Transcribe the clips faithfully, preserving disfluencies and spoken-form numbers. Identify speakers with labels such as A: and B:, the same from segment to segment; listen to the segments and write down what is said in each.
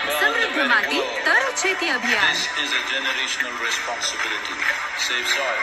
A: समृद्ध माती तर शेती अभियान.
B: This is a generational responsibility. Save soil.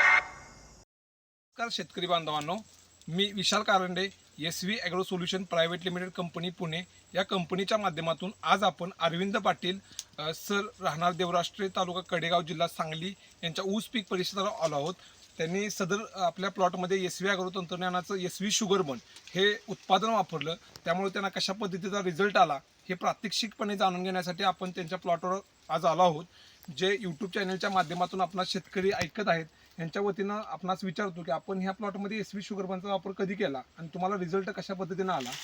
C: नमस्कार शेतकरी बांधवांनो, मी Vishal Karande, S V agro solution private limited company Pune या कंपनीच्या माध्यमातून आज आपण अरविंद पाटील अ, सर राहणार देवराष्ट्रे तालुका कडेगाव जिल्हा सांगली यांच्या ऊस पीक परिषदेला आलो आहोत. त्यांनी सदर आपल्या प्लॉटमध्ये एस व्ही ॲग्रो तंत्रज्ञानाचं एस व्ही शुगरबन हे उत्पादन वापरलं. त्यामुळे त्यांना कशा पद्धतीचा रिझल्ट आला हे प्रात्यक्षिकपणे जाणून घेण्यासाठी आपण त्यांच्या प्लॉटवर आज आलो आहोत. जे यूट्यूब चॅनलच्या माध्यमातून आपणा शेतकरी ऐकत आहेत यांच्या वतीनं आपणास विचारतो की आपण ह्या प्लॉटमध्ये एस व्ही शुगरबनचा वापर कधी केला आणि तुम्हाला रिझल्ट कशा पद्धतीनं आला.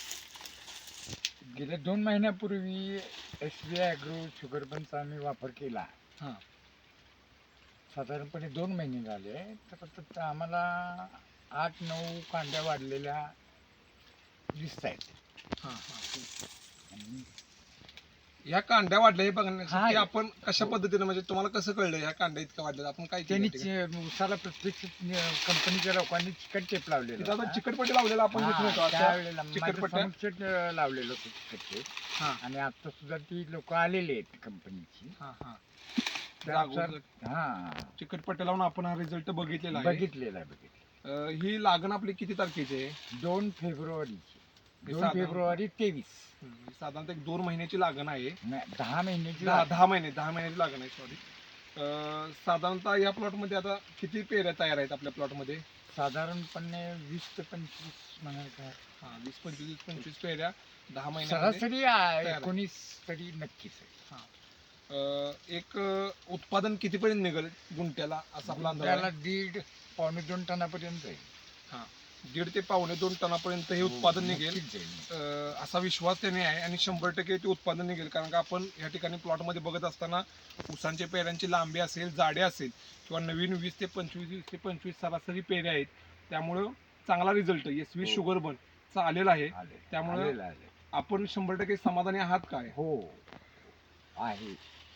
D: गेल्या दोन महिन्यापूर्वी एस व्ही ॲग्रो शुगरबनचा आम्ही वापर केला.
C: हां
D: साधारणपणे दोन महिने झाले. तर तर आम्हाला आठ नऊ कांड्या वाढलेल्या दिसत आहेत.
C: हां हां ह्या कांड्या वाढल्या हे बघण्यासाठी
D: हा.
C: आपण कशा पद्धतीनं म्हणजे तुम्हाला कसं कळलं ह्या कांड्या इतक्या वाढल्या आपण काय केलं
D: त्यांनी
C: त्या ठिकाणी?
D: चे- उसाला प्रत्यक्ष कंपनीच्या लोकांनी चिकट टेप लावलेला
C: तिथं आता
D: होता.
C: चिकटपट्टी लावलेला आपण
D: हा,
C: दिसून येतो अशा
D: त्यावेळेला माझं
C: चिकटपट्ट्या.
D: समक्ष लावलेलं होतं चिकट टेप.
C: हां
D: आणि आता सुद्धा ती लोक आलेली आहेत कंपनीची.
C: हां हां
D: त्यानुसार हा
C: चिकटपट्ट्या लावून आपण हा रिझल्ट बघितलेला आहे.
D: बघितलेला आहे बघितलं.
C: अं, ही लागण आपली किती तारखेची आहे?
D: दोन फेब्रुवारीची दोन
C: साधारण-
D: फेब्रुवारी तेवीस
C: हम्म, साधारणतः एक दोन महिन्याची लागण आहे.
D: नाही, दहा महिन्याची
C: दहा
D: लागण.
C: दहा महिने दहा महिन्याची लागण आहे सॉरी. साधारणतः या प्लॉटमध्ये आता किती पेऱ्या तयार आहेत आपल्या प्लॉटमध्ये?
D: साधारणपणे वीस ते पंचवीस म्हणाल का
C: हा वीस पंचवीस पंचवीस पेऱ्या दहा महिन्यामध्ये.
D: सरासरी आ-
C: आहे.
D: एकोणीस तरी नक्कीच आहे.
C: अं, एक अं, उत्पादन कितीपर्यंत निघेल गुंट्याला असा आपला अंदाज
D: त्याला
C: आहे?
D: दीड पावणे दोन टनापर्यंत जाईल.
C: हा दीड ते पावणे दोन टनापर्यंत हे उत्पादन निघेल
D: नक्कीच जाईल.
C: अं, असा विश्वास त्याने आहे आणि शंभर टक्के ते उत्पादन निघेल. कारण का आपण या ठिकाणी प्लॉटमध्ये बघत असताना ऊसांच्या पेऱ्यांची लांबी असेल जाडे असेल किंवा नवीन वीस ते पंचवीस वीस ते पंचवीस सरासरी पेऱ्या आहेत. त्यामुळं चांगला रिझल्ट एस व्ही
D: हो.
C: शुगरबन चा आलेला आहे.
D: आले.
C: त्यामुळं-
D: आलेलं आहे.
C: आपण शंभर टक्के समाधानी आहात काय?
D: हो आहे.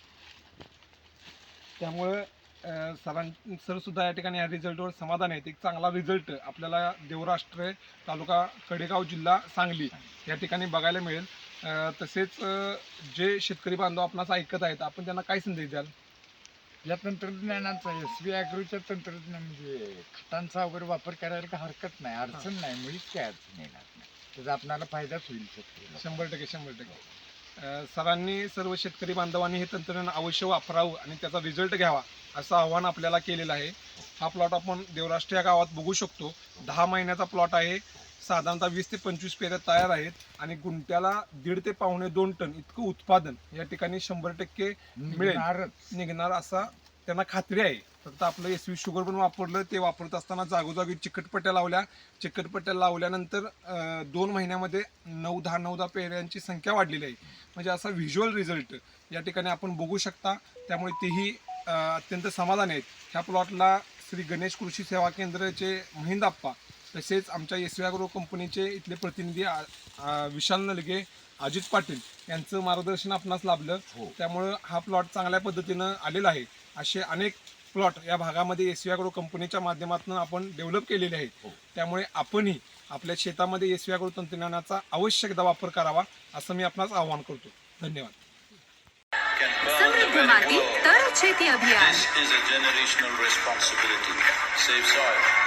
C: त्यामुळे सरां सर सुद्धा या ठिकाणी या रिझल्टवर समाधान आहेत. एक चांगला रिझल्ट आपल्याला देवराष्ट्रे तालुका कडेगाव जिल्हा सांगली या ठिकाणी बघायला मिळेल. अं, तसेच अं, जे शेतकरी बांधव आपणास ऐकत आहेत आपण त्यांना काय संदेश द्याल?
D: या तंत्रज्ञानाचा एस व्ही ॲग्रोच्या तंत्रज्ञान म्हणजे खतांचा वगैरे वापर करायला काही हरकत नाही, अडचण नाही, मुळीच काही अडचण येणार नाही. त्याचा आपल्याला फायदाच होईल शेतकऱ्याला.
C: शंभर टक्के शंभर टक्के अं, सरांनी सर्व शेतकरी बांधवांनी हे तंत्रज्ञान अवश्य वापरावं आणि त्याचा रिझल्ट घ्यावा असं आव्हान आपल्याला केलेलं आहे. हा प्लॉट आपण देवराष्ट्र या गावात बघू शकतो. दहा महिन्याचा प्लॉट आहे. साधारणतः वीस ते पंचवीस पेऱ्या तयार आहेत आणि गुंट्याला दीड ते पावणे दोन टन इतकं उत्पादन या ठिकाणी शंभर टक्के मिळेल
D: निघणारच.
C: निघणार असा त्यांना खात्री आहे. फक्त आपलं एस व्ही शुगर पण वापरलं. ते वापरत असताना जागोजागी चिकटपट्ट्या लावल्या. चिकटपट्ट्या लावल्यानंतर अं, दोन महिन्यामध्ये नऊ दहा नऊ दहा पेऱ्यांची संख्या वाढलेली आहे. म्हणजे असा व्हिज्युअल रिझल्ट या ठिकाणी आपण बघू शकता. त्यामुळे तेही अं, अत्यंत समाधानी आहेत. ह्या प्लॉटला श्री गणेश कृषी सेवा केंद्राचे महिंद आप्पा तसेच आमच्या एस व्ही ॲग्रो कंपनीचे इथले प्रतिनिधी आ- आ- विशाल नलगे, अजित पाटील यांचं मार्गदर्शन आपणास लाभलं.
D: हो.
C: त्यामुळं हा प्लॉट चांगल्या पद्धतीनं आलेला आहे. असे अनेक प्लॉट या भागामध्ये एस व्ही ॲग्रो कंपनीच्या माध्यमातून आपण डेव्हलप केलेले आहेत.
D: हो.
C: त्यामुळे आपणही आपल्या शेतामध्ये एस व्ही ॲग्रो तंत्रज्ञानाचा आवश्यक एकदा वापर करावा असं मी आपणास आवाहन करतो. धन्यवाद.
B: Can burn the
A: समृद्ध
B: very
A: माती
B: world.
A: तर शेती अभियान.
B: This is a generational responsibility. Save soil.